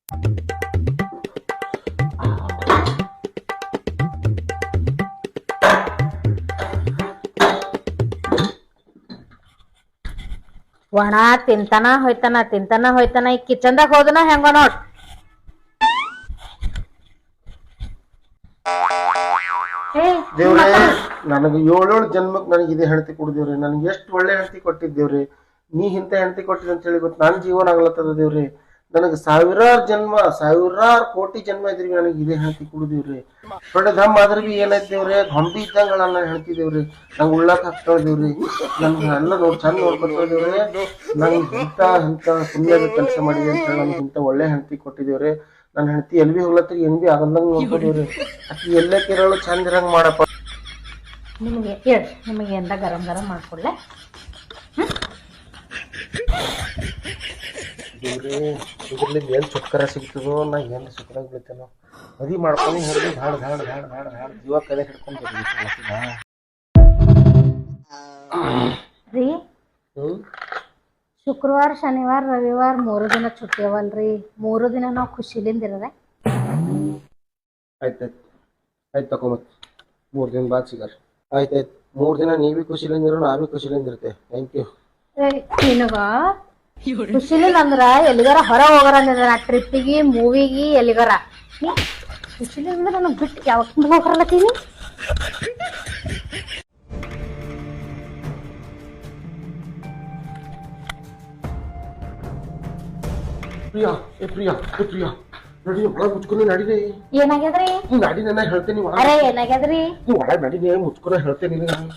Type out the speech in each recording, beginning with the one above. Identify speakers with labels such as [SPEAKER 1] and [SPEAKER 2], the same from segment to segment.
[SPEAKER 1] ಒಣ ತಿಂತಾನ ಹೋಯ್ತಾನ ಈ ಕಿಚನ್ದಾಗ ಹೋದನ ಹೆಂಗ ನೋಡ್.
[SPEAKER 2] ದೇವ್ರೆ, ನನಗೆ 7 ಜನ್ಮಕ್ ನನಗೆ ಇದೇ ಹೆಂಡತಿ ಕೊಡ್ದೇವ್ರಿ. ನನ್ಗೆ ಎಷ್ಟು ಒಳ್ಳೆ ಹೆಂಡತಿ ಕೊಟ್ಟಿದ್ದೇವ್ರಿ. ನೀ ಇಂತ ಹೆಂಡತಿ ಕೊಟ್ಟಿದ್ ಅಂತ ಹೇಳಿ ಗೊತ್ತು. ನನ್ನ ಜೀವನ ಆಗ್ಲತ್ತದ ದೇವ್ರಿ. ನನಗೆ ಸಾವಿರಾರು ಕೋಟಿ ಜನ್ಮ ಇದ್ರಿ ನನಗೆ ಇದೇ ಹೆಂಡತಿ ಕೊಡ್ದೇವ್ರಿ. ದೊಡ್ಡ ದಮ್ ಆದ್ರ ಬಿ ಏನೈತೇವ್ರಿ, ಗೊಂಬಿ ಇದ್ದಂಗ ನನ್ನ ಹೇಳ್ತಿದ್ದೇವ್ರಿ. ನಂಗೆ ಉಳ್ಳಾಕ ಹಾಕ್ತೇವ್ರಿ. ನನ್ಗೆ ಎಲ್ಲ ಚಂದ ನೋಡ್ಕೊತೇವ್ರಿ. ನಂಗೆ ಇಂತ ಪುಣ್ಯದ ಕೆಲಸ ಮಾಡಿದೆ ಅಂತ ಹೇಳಿ ನನ್ಗೆ ಇಂತ ಒಳ್ಳೆ ಹೆಂಡತಿ ಕೊಟ್ಟಿದ್ದೇವ್ರಿ. ನನ್ನ ಹೆಂಡತಿ ಎಲ್ ಬಿ ಹೋಗ್ಲತ್ರಿ ಏನ್ ಬಿ ಆಗಲ್ದಂಗ ನೋಡ್ಕೊದೇವ್ರಿ. ಅಕ್ಕಿ ಎಲ್ಲೇ ಕೇರಳು ಚಂದ ಇರಂಗ್ ಮಾಡಪ್ಪ.
[SPEAKER 1] ನಿಮಗೆ ಎಂದ ಗರಂ ಮಾಡ್ಕೊಡ್ಲೆ.
[SPEAKER 2] ಇದ್ರಲ್ಲಿ ಏನ್ ಚುಕ್ಕರ ಸಿಗ್ತದೋ, ನಾ ಏನ್ ಸುಖದಾಗ ಬೀಳ್ತೇನೋ. ಮದಿ ಮಾಡ್ಕೊಂಡು ಹೊರಗೆ ಧಾಡ್ ಜೀವ ಕಲೆ ಹಿಡ್ಕೊಂಡು
[SPEAKER 1] ರೀ. ಶುಕ್ರವಾರ ಶನಿವಾರ ರವಿವಾರ 3 ದಿನ छुट्टी ಅವಲ್ರಿ. 3 ದಿನ ನಾವು ಖುಷಿಲಿಂದ ಇರದೆ.
[SPEAKER 2] ಆಯ್ತಾಯ್ತು ತಗೊಂಬತ್ 3 ದಿನ ಬಾದ್ ಸಿಗಾರ. ಆಯ್ತಾಯ್ತು 3 ದಿನ ನೀವೇ ಖುಷಿಲಿಂದ ಇರೋ, ನಾವೇ ಖುಷಿಲಿಂದ ಇರುತ್ತೆ. Thank you.
[SPEAKER 1] ನಿನಗ ಖುಷಿಲಿಂದ ಅಂದ್ರ ಎಲ್ಲಿಗಾರ ಹೊರ ಹೋಗಾರ ಟ್ರಿಪ್ಪಿಗೆ ಮೂವಿಗೆ ಎಲ್ಲಿಗಾರ ಖುಷಿಲಿಂದ ನನಗ್ ಬಿಟ್ಟು ಯಾವಾಗ ಹೋಗರಲತ್ತೀನಿ.
[SPEAKER 2] ಪ್ರಿಯಾ ನಡಿ, ಒಳಗ್ ಮುಚ್ಕೊಂಡು ನಡಿರಿ.
[SPEAKER 1] ಏನಾಗ್ಯದ್ರಿ?
[SPEAKER 2] ನಡಿ, ನನ್ನ ಹೇಳ್ತೇನೆ.
[SPEAKER 1] ಅರೆ ಏನಾಗ್ಯದ್ರಿ?
[SPEAKER 2] ಒಳಗ್ ನಡಿ, ಮುಚ್ಕೊಂಡು ಹೇಳ್ತೇನೆ.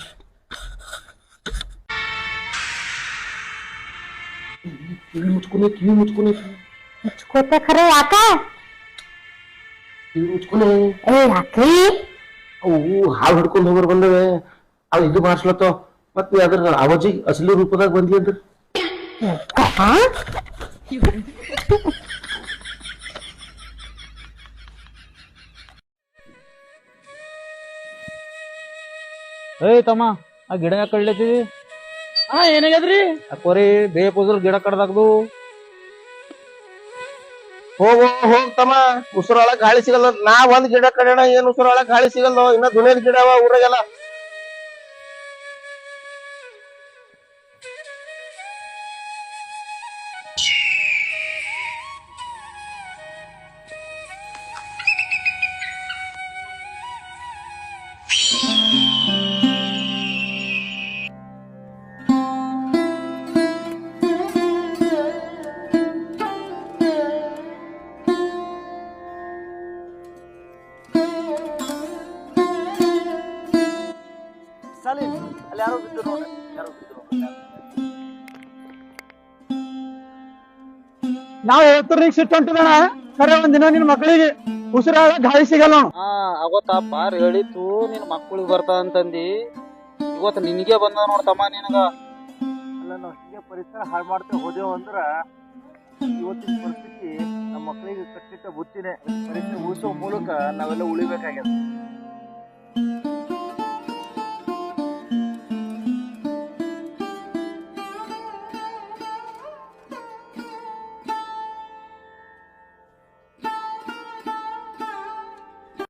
[SPEAKER 2] ಕಿವಿ
[SPEAKER 1] ಮುಚ್ಕೋತ ಖರೆ ಯಾಕ? ಯಾಕ್ರಿ?
[SPEAKER 2] ಅವು ಹಾವು ಹಿಡ್ಕೊಂಡು ಹೋಗೋರು ಬಂದವೆ. ಅವ್ ಇದು ಮಾಡ್ಸ್ಲತ್ತೋ. ಮತ್ತೆ ಅದ್ರ ಅವಜಿ ಅಸಲಿ ರೂಪದಾಗ ಬಂದಿ ಅಂದ್ರ
[SPEAKER 3] ತಮ್ಮ ಆ ಗಿಡ ಯಾಕೆ ಕಡ್ಲತ್ತೀವಿ? ಏನಾಗ್ಯದ್ರಿ? ಅಕ್ಕೋರಿ ಬೇಪ್ ಹೋದ್ರ ಗಿಡ ಕಡ್ದಾಗ್ದು.
[SPEAKER 2] ಹೋಗ್ ತಮ್ಮ, ಉಸಿರೊಳಗ್ ಗಾಳಿ ಸಿಗಲ್ಲ. ನಾ ಒಂದ್ ಗಿಡ ಕಡೆಣ, ಏನ್ ಉಸಿರೊಳಗ್ ಗಾಳಿ ಸಿಗಲ್ಲ. ಇನ್ನ ದುನಿಯದ ಗಿಡ ಅವ ಊರಾಗೆಲ್ಲ.
[SPEAKER 3] ನಾವ್ ಹೇಳ್ತೀರಿ ಸಿಟ್ಟು ಹೊಂಟಿದಣ. ಖರೆ ಒಂದಿನ ನಿನ್ ಮಕ್ಳಿಗೆ ಉಸಿರಾಗ ಗಾಳಿ ಸಿಗಲ್ಲ.
[SPEAKER 4] ಅವತ್ತ ಪಾರ್ ಹೇಳಿತ್ತು ನಿನ್ ಮಕ್ಳಿಗೆ ಬರ್ತಾ ಅಂತಂದಿ. ಇವತ್ತು ನಿನಗೆ ಬಂದ ನೋಡ್ತಮ್ಮ ನಿನಗ.
[SPEAKER 5] ಅಲ್ಲ, ನಾವ್ ಹಿಂಗೆ ಪರಿಸರ ಹಾಳು ಮಾಡ್ತೇವೆ ಹೋದೇವು ಅಂದ್ರ ಇವತ್ತಿನ ಪರಿಸ್ಥಿತಿ ನಮ್ಮ ಮಕ್ಕಳಿಗೆ ಕಟ್ಟಿಟ್ಟ ಬುತ್ತಿನೇ. ಪರಿಸರ ಉಳಿಸೋ ಮೂಲಕ ನಾವೆಲ್ಲ ಉಳಿಬೇಕಾಗ್ಯದ.